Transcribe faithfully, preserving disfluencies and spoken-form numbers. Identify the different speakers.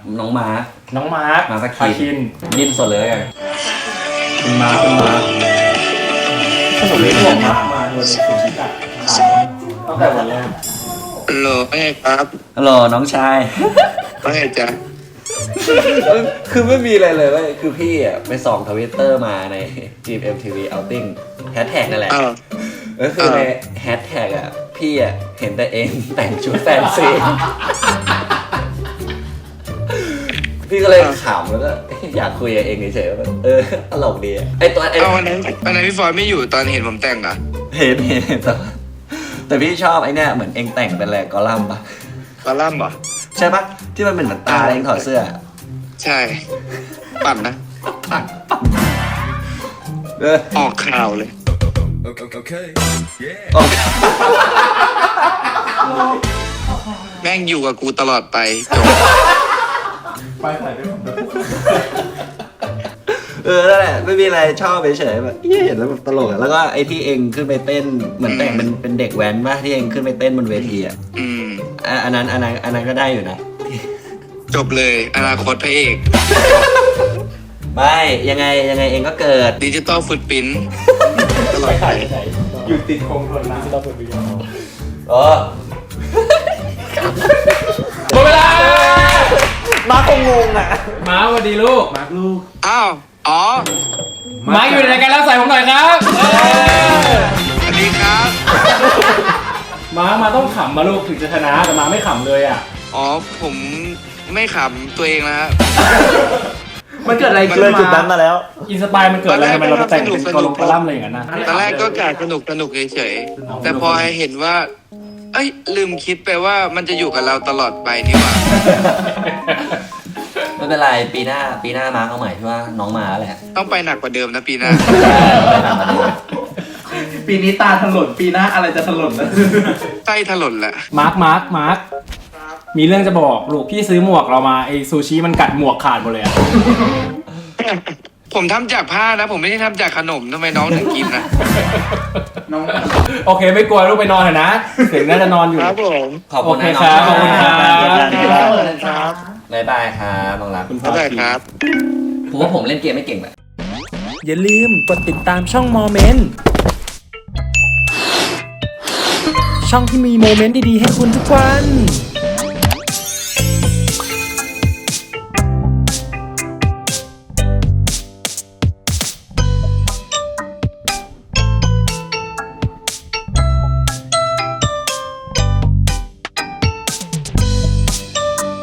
Speaker 1: น้องมาร์ค
Speaker 2: น้องมาร์ค
Speaker 1: มาส
Speaker 2: คา
Speaker 1: คิ
Speaker 2: คิ
Speaker 1: น
Speaker 2: น
Speaker 1: ดิ้นสดเลยกัน
Speaker 2: คุณมาร์คคุณมาร์คสนุกเลยที่ผมมามาโดนสุชิตะตั้งแต่วันแรก
Speaker 3: ฮัลโหลไม่ครับ
Speaker 1: ฮัลโหลน้องชาย
Speaker 3: ไม่จ้ะ
Speaker 1: คือไม่มีอะไรเลยเว้ยคือพี่อ่ะไปส่องทวิตเตอร์มาใน จี เอ็ม ที วี Outing แฮชแท็กนั่นแหละ
Speaker 3: อ้าว
Speaker 1: ก็คือในแฮชแท็กอ่ะพี่อ่ะเห็นแต่เองแต่งชุดแฟนซี พี่ก็เลยขำแล้วก็อยากคุยกับเองเฉยๆว่าเออตลกดีอ่ะไอตัวไอ
Speaker 3: เอาวันนั้นวันนั้นพี่ฟอยไม่อยู่ตอนเห็นผมแต่งเหรอ
Speaker 1: เห็นเห็นเห็นแต่ว่าแต่พี่ชอบไอเนี่ยเหมือนเองแต่งเป็นอะไรกอลัมน์ปะ
Speaker 3: กอลัมน์เหรอ
Speaker 1: ใช่ปะที่มันเป็นเหมือนตาเองถอดเสื้อ
Speaker 3: ใช่ ปั่นนะ
Speaker 1: เออ
Speaker 3: ออกข่าวเลย
Speaker 1: โอเค
Speaker 3: แม่งอยู่กับกูตลอดไปจบ
Speaker 2: ไปถ่ายด้วยผมด้วย
Speaker 1: เออนั่นแหละไม่มีอะไรชอบเฉยๆแบบเห็นแล้วแบบตลกอะแล้วก็ไอที่เองขึ้นไปเต้นเหมือนแต่งเป็นเป็นเด็กแว้นป่ะที่เองขึ้นไปเต้นบนเวทีอ่ะ
Speaker 3: อืม
Speaker 1: อ่ะอันนั้นอันนั้นอันนั้นก็ได้อยู่นะ
Speaker 3: จบเลยอนาคตพระเอก
Speaker 1: ไม่ยังไงยังไงเองก็เกิด
Speaker 3: ดิจิตอลฟุตปิ้นตลอ
Speaker 2: ไป
Speaker 3: ดไป
Speaker 2: ถ่ายไหนอยู่ติดโครงทนน้ำที่เราเปิดวิดีโอ
Speaker 1: เออ
Speaker 2: หมดเวลา
Speaker 1: มาคงงงอ่ะ
Speaker 2: มาสวัสดีลูกมาร์คลูก
Speaker 3: อ้าวอ๋อ
Speaker 2: มาร์คอยู่ในรายการแล้วใส่ผมหน่อยครับ
Speaker 3: สวัสดีครับ
Speaker 2: มาร์คมาต้องขำมาลูกถึงจะชนะแต่มาไม่ขำเลยอ่ะ
Speaker 3: อ๋อผมไม่ขำตัวเองนะฮะ
Speaker 2: มันเกิดอะไรขึ้น
Speaker 1: เลย
Speaker 2: มา
Speaker 1: จุดนั้นมาแล้ว
Speaker 2: อินสปายมันเกิดอะไรทำไมเราไปแต่งเป็นกอลงกอลัมน์อะไรอย่างนั้นนะ
Speaker 3: ตอนแรกก็กะสนุกสนุกเฉยๆแต่พอเห็นว่า เอ้ยลืมคิดไปว่ามันจะอยู่กับเราตลอดไปนี่หว่า
Speaker 1: ไม่เป็นไรปีหน้าปีหน้ามาเอาใหม่ที่ว่าน้องมาแหละ
Speaker 3: ต้องไปหนักกว่าเดิมนะปีหน้า
Speaker 2: ปีนี้ตาถลนปีหน้าอะไรจะถลนนะ
Speaker 3: ใต้ถลนแหละ
Speaker 2: มาร์คมาร์คมาร์คมีเรื่องจะบอกลูกพี่ซื้อหมวกเรามาไอซูชิมันกัดหมวกขาดหมดเลยอะ
Speaker 3: ผมทำจากผ้านะ ผมไม่ได้ทำจากขนมทำไมน้องถึงกินนะ
Speaker 2: น้องโอเคไม่กลัวลูกไปนอนเถอะนะเสียงน่าจะนอนอยู่
Speaker 3: ครับผม
Speaker 1: ขอบคุณนะ
Speaker 2: โอเค
Speaker 1: น้อง
Speaker 2: ครับขอบคุณครับ
Speaker 3: ครับ
Speaker 1: บ๊ายบายครับน้องรัก
Speaker 2: คุณ
Speaker 3: เข้าใจครับ
Speaker 1: ผมว่าผมเล่นเกมไม่เก่งแบบ
Speaker 2: อย่าลืมกดติดตามช่องโมเมนต์ช่องที่มีโมเมนต์ดีๆให้คุณทุกวัน